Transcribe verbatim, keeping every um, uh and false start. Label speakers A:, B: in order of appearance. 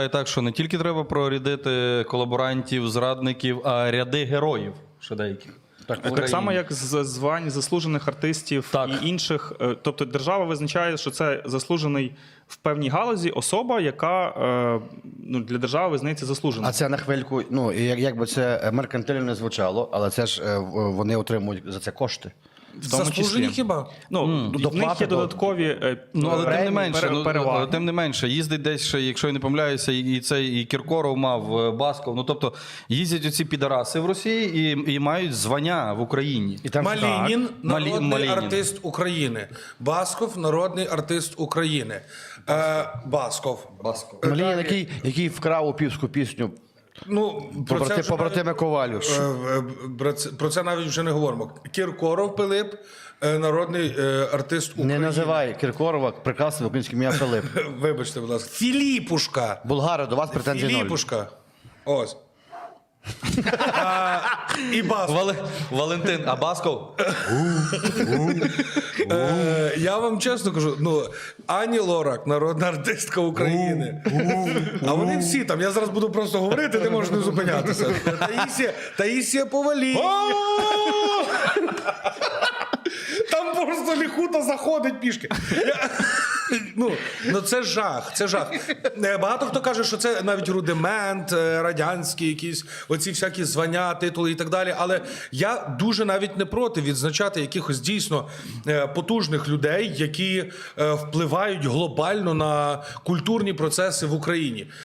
A: Так, що не тільки треба прорядити колаборантів, зрадників, а ряди героїв ще деяких.
B: Так, так само, як з звань заслужених артистів
A: Так.
B: і інших. Е, Тобто держава визначає, що це заслужений в певній галузі особа, яка е, ну, для держави визнається заслуженою.
C: А це на хвильку, ну, і як, як би це меркантильно не звучало, але це ж е, в- вони отримують за це кошти.
B: В тому
D: Заслужені
B: числі.
D: хіба?
B: Ну,
C: Mm.
B: в них
C: Доплати
B: є
C: до-
B: додаткові е,
A: Ну, але тим не
B: премії,
A: менше,
B: пере-
A: ну,
B: переваги.
A: але тим не менше, їздить десь ще, якщо я не помиляюся, і, і цей і Кіркоров мав, е, Басков. Ну, тобто, їздять оці підараси в Росії і, і мають звання в Україні.
C: І там
D: Малінін,
A: Малі-
D: народний
A: Малінін.
D: артист України. Басков, народний артист України. Е, Басков. Басков.
C: Малінін, який, який вкрав опівську пісню
D: Ну, про це,
C: побрати,
D: вже
C: побратими Ковалю.
D: навіть, е, е, про це- про це навіть вже не говоримо. Кіркоров Пилип, е, народний е, артист України.
C: Не називай Кіркорова прекрасним українським ім'я Филип.
D: Вибачте, будь ласка. Філіпушка.
C: Булгари, до вас претензій ноль.
D: Філіпушка. Ось. А, і Басков.
A: Вали... Валентин, а Басков?
D: Е, я вам чесно кажу, ну, Ані Лорак, народна артистка України. А вони всі там, я зараз буду просто говорити, ти можеш не зупинятися. Таїсія, Таїсія Повалій. Там просто ліхута заходить пішки. Я... Ну, ну це жах, це жах. Е, Багато хто каже, що це навіть рудимент, е, радянський якісь, оці всякі звання, титули і так далі. Але я дуже навіть не проти відзначати якихось дійсно е, потужних людей, які е, впливають глобально на культурні процеси в Україні.